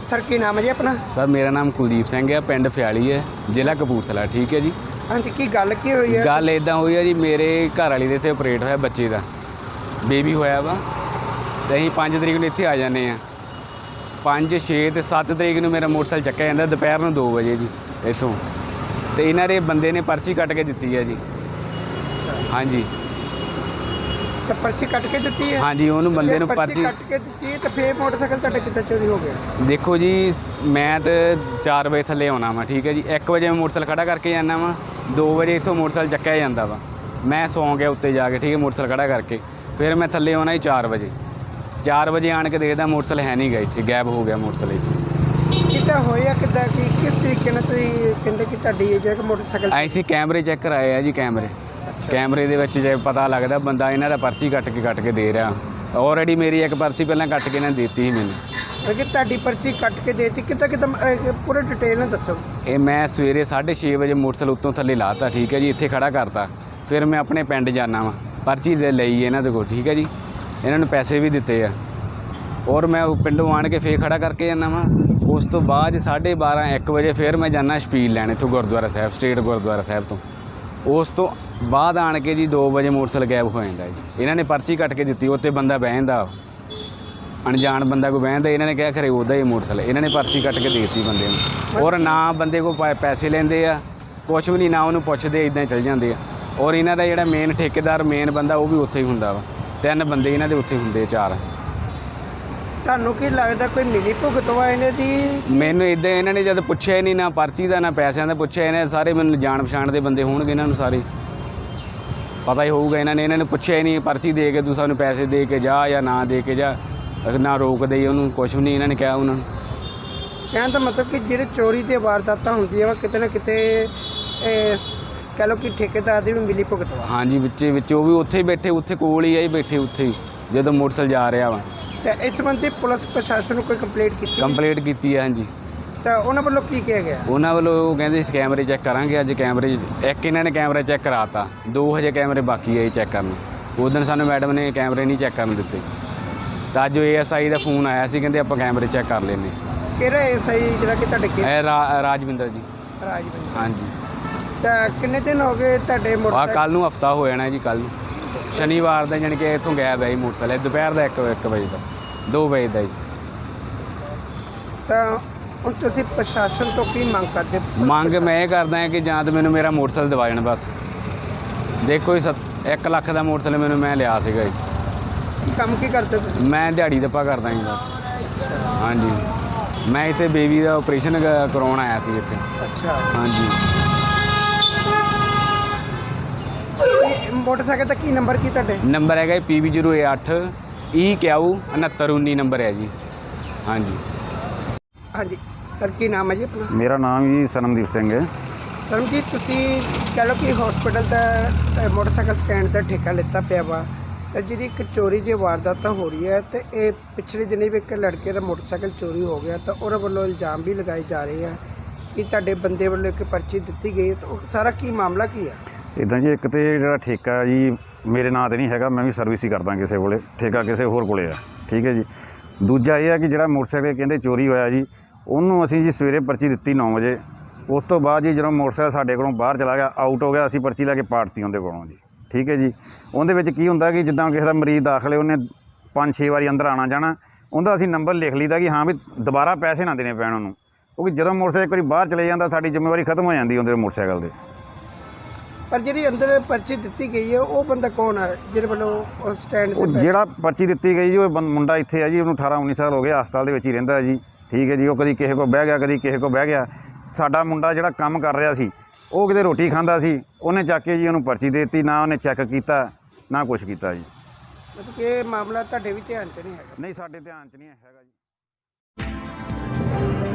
Sir की नाम है जी अपना? सर मेरा नाम कुलदीप सिंह है, पिंड फ्याली है, जिला कपूरथला। ठीक है जी। हाँ जी, की गल की हुई है? गल इदा हुई है जी, मेरे घर वाली दे इत्थे ऑपरेट होया बच्चे का, बेबी होया वा, तो असीं 5 तरीक नूं इत्थे आ जाने आ। 5, 6 ते 7 तरीक नूं मेरा मोटरसाइकिल चक्या जांदा दोपहर नूं 2 बजे जी इत्थों, तो इन्हां दे बंदे ने पर्ची कट के दित्ती है जी। हाँ जी, तो पर्ची कट के दी है? हाँ जी, उन्होंने बंदे नूं पर्ची कट के दी है, तो फिर मोटरसाइकिल तुहाडा किद्दां चोरी हो गया? देखो जी, मैं तो 4 बजे थल्ले आना वा, ठीक है जी। 1 बजे मैं मोटरसाइकिल खड़ा करके जाना वा, 2 बजे इत्थों मोटरसाइकिल चक्या जांदा वा, मैं सौ गया उत्ते जाके, ठीक है, मोटरसाइकिल खड़ा करके। फिर मैं थल्ले आना जी 4 बजे। 4 बजे आन के देखदा मोटरसाइकिल है नहीं गया, इत्थे गैब हो गया मोटरसाइकिल इत्थों। किद्दां होया किद्दां कि किस तरीके नाल तुसीं कहंदे कि तुहाडी जेह्ड़ा मोटरसाइकिल? ऐसी कैमरे चैक कराए आ जी, कैमरे दे विच जे पता लगदा बंदा इन्हां दा पर्ची कट के दे रहा। ऑलरेडी मेरी एक पर्ची पहलां कट के इन्हां ने देती ही मैनूं। कि तुहाडी पर्ची कट के देती, किद्दां पूरा डिटेल नाल दस्सो। ये मैं सवेरे 6:30 बजे मोटरसाइकिल उत्तों थल्ले लाता, ठीक है जी, इत्थे खड़ा करता। फिर मैं अपने पिंड जाना वा, पर्ची दे लई इन्हां दे कोल, ठीक है जी, इन्हां नूं पैसे भी दित्ते आ, और मैं पिंडों आण के फिर खड़ा करके जाना वा। उस तो बाद 12:30, 1 बजे फिर मैं जाना शपील लैण इत्थों गुरुद्वारा साहिब, स्टेट गुरुद्वारा साहिब तो। उस तो बाद आण के जी 2 बजे मोटरसाइकिल गैब हो जाता जी। इन्होंने पर्ची कट के दी, उत्ते बंदा बहदा, अनजान बंदा कोई बहदा, इन्होंने कहा खरे उदा ही मोटरसाइकिल, इन्होंने पर्ची कट के देती बंदे नूं, और ना बंदे को पैसे लेंदे आ, कुछ भी नहीं, ना उन्होंने पुछदे, इदां ही चल जांदे आ। और इन्हां दा जिहड़ा मेन ठेकेदार मेन बंदा वो भी उत्थे ही हुंदा वा, 3 बंदे इन्हां दे उत्थे हुंदे, 4। ਤੁਹਾਨੂੰ ਕੀ ਲੱਗਦਾ ਕੋਈ ਮਿਲੀ ਭੁਗਤ ਵਾ ਇਹਨਾਂ ਦੀ? ਮੈਨੂੰ ਇਦਾਂ ਇਹਨਾਂ ਨੇ ਜਦ ਪੁੱਛਿਆ ਹੀ ਨਹੀਂ, ਨਾ ਪਰਚੀ ਦਾ ਨਾ ਪੈਸਿਆਂ ਦਾ ਪੁੱਛਿਆ, ਇਹਨੇ ਸਾਰੇ ਮੈਨੂੰ ਜਾਣ ਪਛਾਣ ਦੇ ਬੰਦੇ ਹੋਣਗੇ, ਇਹਨਾਂ ਨੂੰ ਸਾਰੇ ਪਤਾ ਹੀ ਹੋਊਗਾ। ਇਹਨਾਂ ਨੇ ਪੁੱਛਿਆ ਹੀ ਨਹੀਂ, ਪਰਚੀ ਦੇ ਕੇ ਤੂੰ ਸਾਨੂੰ ਪੈਸੇ ਦੇ ਕੇ ਜਾ ਜਾਂ ਨਾ ਦੇ ਕੇ ਜਾ, ਨਾ ਰੋਕਦੇ ਹੀ ਉਹਨੂੰ, ਕੁਛ ਵੀ ਨਹੀਂ ਇਹਨਾਂ ਨੇ ਕਿਹਾ ਉਹਨਾਂ ਨੂੰ। ਕਹਿਣ ਦਾ ਮਤਲਬ ਕਿ ਜਿਹੜੇ ਚੋਰੀ ਦੀਆਂ ਵਾਰਦਾਤਾਂ ਹੁੰਦੀਆਂ ਵਾ ਕਿਤੇ ਨਾ ਕਿਤੇ ਕਹਿ ਲਓ ਕਿ ਠੇਕੇਦਾਰ ਦੀ ਵੀ ਮਿਲੀ ਭੁਗਤ ਵਾ। ਹਾਂਜੀ, ਵਿੱਚ ਉਹ ਵੀ ਉੱਥੇ ਹੀ ਬੈਠੇ, ਉੱਥੇ ਕੋਲ ਹੀ ਆਈ ਬੈਠੇ, ਉੱਥੇ ਹੀ ਜਦੋਂ ਮੋਟਰਸਾਈਕਲ ਜਾ ਰਿਹਾ ਵਾ। ਤੇ ਇਸ ਸੰਬੰਧੀ ਪੁਲਿਸ ਪ੍ਰਸ਼ਾਸਨ ਨੂੰ ਕੋਈ ਕੰਪਲੇਂਟ ਕੀਤੀ? ਕੰਪਲੇਂਟ ਕੀਤੀ ਹੈ, ਹਾਂਜੀ। ਤਾਂ ਉਹਨਾਂ ਵੱਲੋਂ ਕੀ ਕਿਹਾ ਗਿਆ? ਉਹਨਾਂ ਵੱਲੋਂ ਉਹ ਕਹਿੰਦੇ ਸੀ ਕੈਮਰੇ ਚੈੱਕ ਕਰਾਂਗੇ ਅੱਜ। ਕੈਮਰੇ ਇੱਕ ਇਹਨਾਂ ਨੇ ਕੈਮਰਾ ਚੈੱਕ ਕਰਾਤਾ, 2 ਹਜੇ ਕੈਮਰੇ ਬਾਕੀ ਹੈ ਚੈੱਕ ਕਰਨ। ਉਸ ਦਿਨ ਸਾਨੂੰ ਮੈਡਮ ਨੇ ਕੈਮਰੇ ਨਹੀਂ ਚੈੱਕ ਕਰਨ ਦਿੱਤੇ, ਤਾਂ ਅੱਜ ASI ਦਾ ਫੋਨ ਆਇਆ ਸੀ, ਕਹਿੰਦੇ ਆਪਾਂ ਕੈਮਰੇ ਚੈੱਕ ਕਰ ਲੈਂਦੇ। ਕਿਹੜਾ ASI ਜਿਹੜਾ ਕਿ ਤੁਹਾਡੇ ਇਹ ਰਾਜਵਿੰਦਰ ਜੀ। ਰਾਜਵਿੰਦਰ, ਹਾਂਜੀ। ਤਾਂ ਕਿੰਨੇ ਦਿਨ ਹੋ ਗਏ ਤੁਹਾਡੇ ਮੋਟਰਸਾਈਕਲ? ਕੱਲ੍ਹ ਨੂੰ ਹਫਤਾ ਹੋ ਜਾਣਾ ਜੀ, ਕੱਲ੍ਹ ਨੂੰ ਸ਼ਨੀਵਾਰ ਦਾ, ਜਾਣੀ ਕਿ ਇੱਥੋਂ ਗਾਇਬ ਹੈ ਜੀ ਮੋਟਰਸਾਈਕਲ, ਦੁਪਹਿਰ ਦਾ 1 ਵਜੇ ਦਾ, 2 ਵਜੇ ਦਾ ਜੀ। ਤਾਂ ਹੁਣ ਤੁਸੀਂ ਪ੍ਰਸ਼ਾਸਨ ਤੋਂ ਕੀ ਮੰਗ ਕਰਦੇ? ਮੰਗ ਮੈਂ ਇਹ ਕਰਦਾ ਹਾਂ ਕਿ ਜਾਂ ਤਾਂ ਮੈਨੂੰ ਮੇਰਾ ਮੋਟਰਸਾਈਕਲ ਦਿਵਾ ਜਾਣ ਬਸ। ਦੇਖੋ ਜੀ, 1 ਲੱਖ ਦਾ ਮੋਟਰਸਾਈਕਲ ਮੈਨੂੰ ਮੈਂ ਲਿਆ ਸੀਗਾ ਜੀ। ਕੰਮ ਕੀ ਕਰਦੇ ਤੁਸੀਂ? ਮੈਂ ਦਿਹਾੜੀ ਦੱਪਾ ਕਰਦਾ ਜੀ ਬਸ। ਹਾਂਜੀ, ਮੈਂ ਇੱਥੇ ਬੇਬੀ ਦਾ ਆਪਰੇਸ਼ਨ ਕਰਵਾਉਣ ਆਇਆ ਸੀ ਇੱਥੇ। ਅੱਛਾ, ਹਾਂਜੀ। ਮੋਟਰਸਾਈਕਲ ਦਾ ਕੀ ਨੰਬਰ ਕੀ ਤੁਹਾਡੇ? ਨੰਬਰ ਹੈਗਾ PB08 EQ 6919 ਨੰਬਰ ਹੈ ਜੀ। ਹਾਂਜੀ। ਹਾਂਜੀ ਸਰ, ਕੀ ਨਾਮ ਹੈ ਜੀ ਆਪਣਾ? ਮੇਰਾ ਨਾਮ ਜੀ ਸਨਮਦੀਪ ਸਿੰਘ ਹੈ। ਸਰ ਜੀ, ਤੁਸੀਂ ਕਹਿ ਲਓ ਕਿ ਹਸਪੀਟਲ ਦਾ ਮੋਟਰਸਾਈਕਲ ਸਟੈਂਡ ਦਾ ਠੇਕਾ ਲਿੱਤਾ ਪਿਆ ਵਾ, ਤੇ ਜਿਹੜੀ ਇੱਕ ਚੋਰੀ ਦੀ ਵਾਰਦਾਤ ਹੋ ਰਹੀ ਹੈ, ਤੇ ਇਹ ਪਿਛਲੇ ਦਿਨੀ ਵੀ ਇੱਕ ਲੜਕੇ ਦਾ ਮੋਟਰਸਾਈਕਲ ਚੋਰੀ ਹੋ ਗਿਆ, ਤਾਂ ਉਹਨਾਂ ਵੱਲੋਂ ਇਲਜ਼ਾਮ ਵੀ ਲਗਾਏ ਜਾ ਰਹੇ ਆ ਕਿ ਤੁਹਾਡੇ ਬੰਦੇ ਵੱਲੋਂ ਇੱਕ ਪਰਚੀ ਦਿੱਤੀ ਗਈ, ਤਾਂ ਉਹ ਸਾਰਾ ਕੀ ਮਾਮਲਾ ਕੀ ਹੈ? ਇੱਦਾਂ ਜੀ, ਇੱਕ ਤਾਂ ਜਿਹੜਾ ਠੇਕਾ ਜੀ ਮੇਰੇ ਨਾਂ 'ਤੇ ਨਹੀਂ ਹੈਗਾ, ਮੈਂ ਵੀ ਸਰਵਿਸ ਹੀ ਕਰਦਾ ਕਿਸੇ ਕੋਲੇ, ਠੇਕਾ ਕਿਸੇ ਹੋਰ ਕੋਲੇ ਆ, ਠੀਕ ਹੈ ਜੀ। ਦੂਜਾ ਇਹ ਹੈ ਕਿ ਜਿਹੜਾ ਮੋਟਰਸਾਈਕਲ ਕਹਿੰਦੇ ਚੋਰੀ ਹੋਇਆ ਜੀ, ਉਹਨੂੰ ਅਸੀਂ ਜੀ ਸਵੇਰੇ ਪਰਚੀ ਦਿੱਤੀ 9 ਵਜੇ। ਉਸ ਤੋਂ ਬਾਅਦ ਜੀ ਜਦੋਂ ਮੋਟਰਸਾਈਕਲ ਸਾਡੇ ਕੋਲੋਂ ਬਾਹਰ ਚਲਾ ਗਿਆ, ਆਊਟ ਹੋ ਗਿਆ, ਅਸੀਂ ਪਰਚੀ ਲੈ ਕੇ ਪਾੜਤੀ ਉਹਦੇ ਕੋਲੋਂ ਜੀ, ਠੀਕ ਹੈ ਜੀ। ਉਹਦੇ ਵਿੱਚ ਕੀ ਹੁੰਦਾ ਕਿ ਜਿੱਦਾਂ ਕਿਸੇ ਦਾ ਮਰੀਜ਼ ਦਾਖਲ ਹੈ, ਉਹਨੇ 5-6 ਵਾਰੀ ਅੰਦਰ ਆਉਣਾ ਜਾਣਾ, ਉਹਦਾ ਅਸੀਂ ਨੰਬਰ ਲਿਖ ਲਈਦਾ ਕਿ ਹਾਂ ਵੀ ਦੁਬਾਰਾ ਪੈਸੇ ਨਾ ਦੇਣੇ ਪੈਣ ਉਹਨੂੰ, ਕਿਉਂਕਿ ਜਦੋਂ ਮੋਟਰਸਾਈਕਲ ਇੱਕ ਵਾਰੀ ਬਾਹਰ ਚਲੇ ਜਾਂਦਾ ਸਾਡੀ ਜ਼ਿੰਮੇਵਾਰੀ ਖਤਮ ਹੋ ਜਾਂਦੀ ਉਹਦੇ ਮੋਟਰਸਾਈਕਲ ਦੇ। ਪਰ ਜਿਹੜੀ ਅੰਦਰ ਪਰਚੀ ਦਿੱਤੀ ਗਈ ਹੈ, ਉਹ ਬੰਦਾ ਕੌਣ ਹੈ ਜਿਹਦੇ ਵੱਲੋਂ ਸਟੈਂਡ ਤੇ? ਉਹ ਜਿਹੜਾ ਪਰਚੀ ਦਿੱਤੀ ਗਈ ਜੀ, ਉਹ ਮੁੰਡਾ ਇੱਥੇ ਹੈ ਜੀ, ਉਹਨੂੰ 18-19 ਸਾਲ ਹੋ ਗਏ, ਹਸਪਤਾਲ ਦੇ ਵਿੱਚ ਹੀ ਰਹਿੰਦਾ ਜੀ, ਠੀਕ ਹੈ ਜੀ। ਉਹ ਕਦੀ ਕਿਸੇ ਕੋਲ ਬਹਿ ਗਿਆ, ਕਦੀ ਕਿਸੇ ਕੋਲ ਬਹਿ ਗਿਆ। ਸਾਡਾ ਮੁੰਡਾ ਜਿਹੜਾ ਕੰਮ ਕਰ ਰਿਹਾ ਸੀ, ਉਹ ਕਿਤੇ ਰੋਟੀ ਖਾਂਦਾ ਸੀ, ਉਹਨੇ ਚੱਕ ਕੇ ਜੀ ਉਹਨੂੰ ਪਰਚੀ ਦੇ ਦਿੱਤੀ, ਨਾ ਉਹਨੇ ਚੈੱਕ ਕੀਤਾ ਨਾ ਕੁਛ ਕੀਤਾ ਜੀ। ਮਤਲਬ ਕਿ ਇਹ ਮਾਮਲਾ ਤੁਹਾਡੇ ਵੀ ਧਿਆਨ 'ਚ ਨਹੀਂ ਹੈਗਾ? ਨਹੀਂ, ਸਾਡੇ ਧਿਆਨ 'ਚ ਨਹੀਂ ਹੈਗਾ ਜੀ।